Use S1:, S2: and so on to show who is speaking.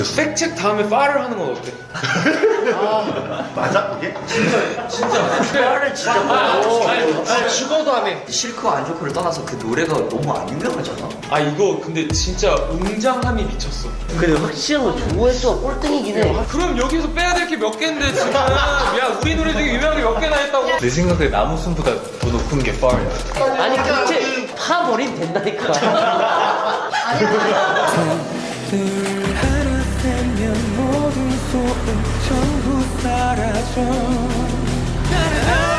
S1: 팩책 다음에 파를 하는 건 어때?
S2: 맞아 그게?
S3: 말을 진짜 빨라.
S1: 죽어도 안 해.
S3: 싫고 안 좋고를 떠나서 그 노래가 너무 안 유명하잖아.
S1: 아 이거 근데 진짜 웅장함이 미쳤어.
S4: 근데 확실한 건 조회수가 꼴등이긴 해.
S1: 그럼 여기서 빼야 될 게 몇 개인데 지금 야 우리 노래 중에 유명한 게 몇 개나 했다고?
S5: 내 생각에 나무순보다 더 높은 게 파야.
S4: 아니 그치 파버리면 된다니까.
S6: 하나 되면 모든 소음 전부 사라져.